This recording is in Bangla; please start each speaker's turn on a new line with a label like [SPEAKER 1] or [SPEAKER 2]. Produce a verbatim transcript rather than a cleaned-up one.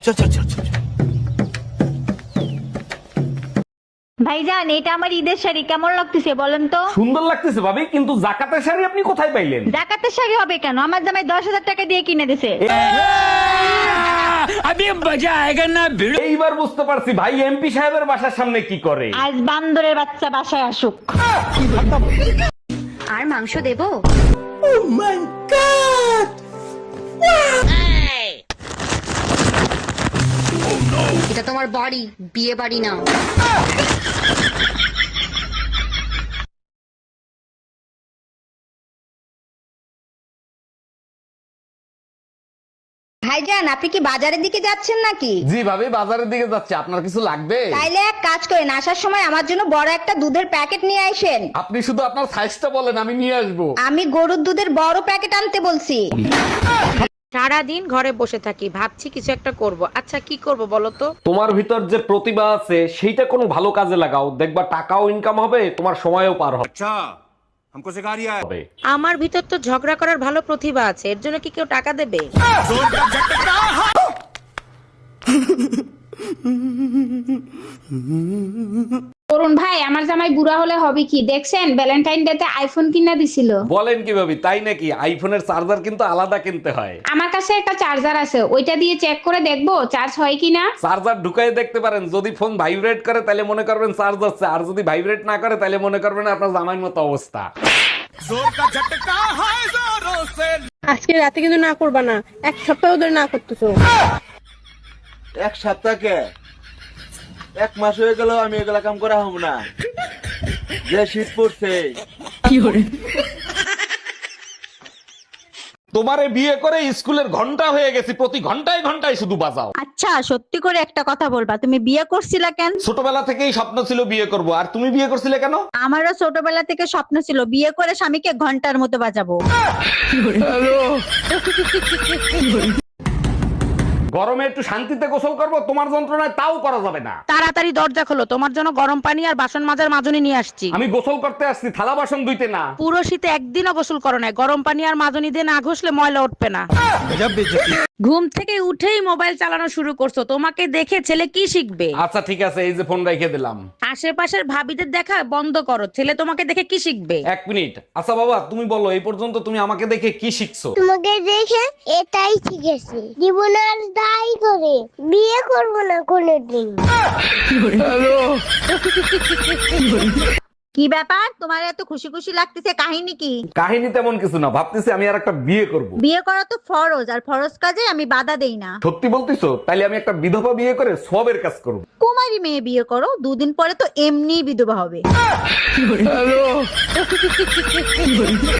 [SPEAKER 1] চল চল চল চল।
[SPEAKER 2] ভাইজান, এটা আমার ঈদের শাড়ি, কেমন লাগতেছে বলেন তো?
[SPEAKER 3] সুন্দর লাগতেছে ভাবি, কিন্তু জাকাতের শাড়ি আপনি কোথায় পাইলেন?
[SPEAKER 2] জাকাতের শাড়ি হবে কেন? আমার জামাই দশ হাজার টাকা দিয়ে কিনে দিছে।
[SPEAKER 3] এইবার বুঝতে পারছি ভাই এমপি সাহেবের বাসার সামনে কি করে।
[SPEAKER 2] আজ বান্দরের বাচ্চা বাসায় আসুক।
[SPEAKER 4] আর মাংস দেবো? এটা তোমার বাড়ি, বিয়ে বাড়ি না। ভাইজান, আপনি কি বাজারের দিকে যাচ্ছেন নাকি?
[SPEAKER 3] জি ভাবি, বাজারের দিকে যাচ্ছে, আপনার কিছু লাগবে?
[SPEAKER 4] তাইলে এক কাজ করেন, আসার সময় আমার জন্য বড় একটা দুধের প্যাকেট নিয়ে আসেন।
[SPEAKER 3] আপনি শুধু আপনার সাইজটা বলেন, আমি নিয়ে আসবো।
[SPEAKER 4] আমি গরুর দুধের বড় প্যাকেট আনতে বলছি।
[SPEAKER 5] সারাদিন ঘরে বসে থাকি, ভাবছি কিছু একটা করব। আচ্ছা কি করব বলো তো?
[SPEAKER 3] তোমার ভিতর যে প্রতিভা আছে সেইটা কোনো ভালো কাজে লাগাও, দেখবা টাকাও ইনকাম হবে, তোমার সময়ও পার হবে।
[SPEAKER 1] अच्छा हमको सिखा रिया है।
[SPEAKER 5] আমার ভিতর তো ঝগড়া করার ভালো প্রতিভা আছে, এর জন্য কি কেউ টাকা দেবে?
[SPEAKER 6] অরুণ ভাই, আমার জামাই বুড়া হলে হবে কি দেখছেন? ভ্যালেন্টাইন ডে তে আইফোন কিনা দিছিল।
[SPEAKER 3] বলেন কি ভাবি, তাই নাকি? আইফোনের চার্জার কিন্তু আলাদা কিনতে হয়।
[SPEAKER 6] আমার কাছে একটা চার্জার আছে, ওইটা দিয়ে চেক করে দেখবো চার্জ হয় কিনা।
[SPEAKER 3] চার্জার ঢুকাই দেখতে পারেন, যদি ফোন ভাইব্রেট করে তাহলে মনে করবেন চার্জ হচ্ছে, আর যদি ভাইব্রেট না করে তাহলে মনে করবেন আপনার জামাইয়ের মতো অবস্থা।
[SPEAKER 7] আজকে রাতে কিন্তু না করবা না, এক সপ্তাহ ধরে না করতেছো।
[SPEAKER 8] এক সপ্তাহকে এক মাস হয়ে গেল আমি এগুলা কাম করা হব না। যে শীত পড়ছে।
[SPEAKER 3] তোমারে বিয়ে করে স্কুলের ঘন্টা হয়ে গেছি, প্রতি ঘন্টায় ঘন্টায় শুধু বাজাও।
[SPEAKER 2] আচ্ছা, সত্যি করে একটা কথা বলবা, তুমি বিয়ে করছিলা কেন?
[SPEAKER 3] ছোটবেলা থেকেই স্বপ্ন ছিল বিয়ে করব, আর তুমি বিয়ে করছিলে কেন?
[SPEAKER 2] আমারও ছোটবেলা থেকে স্বপ্ন ছিল বিয়ে করে স্বামীকে ঘন্টার মতো বাজাবো।
[SPEAKER 3] গরমে একটু শান্তিতে গোসল করব, তোমার যন্ত্রণায় তাও করা যাবে না।
[SPEAKER 5] তাড়াতাড়ি দরজা খোলো, তোমার জন্য গরম পানি আর বাসন মাজার মাজনি নিয়ে আসছি।
[SPEAKER 3] আমি গোসল করতে আসছি, থালা বাসন ধুইতে না।
[SPEAKER 5] পুরো শীতে একদিনও গোসল করো না, গরম পানি আর মাজনি দিয়ে না ঘষলে ময়লা উঠবে না। ঘুম থেকে উঠেই মোবাইল চালানো শুরু করছো, তোমাকে দেখে ছেলে কি শিখবে?
[SPEAKER 3] আচ্ছা ঠিক আছে, এই যে ফোন রেখে দিলাম।
[SPEAKER 5] আশেপাশের ভাবিদের দেখা বন্ধ করো, ছেলে তোমাকে দেখে কি শিখবে?
[SPEAKER 3] এক মিনিট। আচ্ছা বাবা, তুমি বলো এই পর্যন্ত তুমি আমাকে দেখে কি শিখছো?
[SPEAKER 9] তোমাকে দেখে এটাই শিখেছি, জীবন আর দায় করে বিয়ে করবো না কোনোদিন।
[SPEAKER 2] কি ব্যাপার, তোমার এত খুশি খুশি লাগতেছে, কাহিনী কি?
[SPEAKER 3] কাহিনী তেমন কিছু না, ভাবতেছি আমি আর একটা বিয়ে করব।
[SPEAKER 2] বিয়ে করা তো ফরজ, আর ফরজ কাজে আমি বাধা দেই না।
[SPEAKER 3] সত্যি বলতিছো? তাইলে আমি একটা বিধবা বিয়ে করে সবের কাজ করব।
[SPEAKER 2] কুমারী মেয়ে বিয়ে করো, দুদিন পরে তো এমনি বিধবা হবে।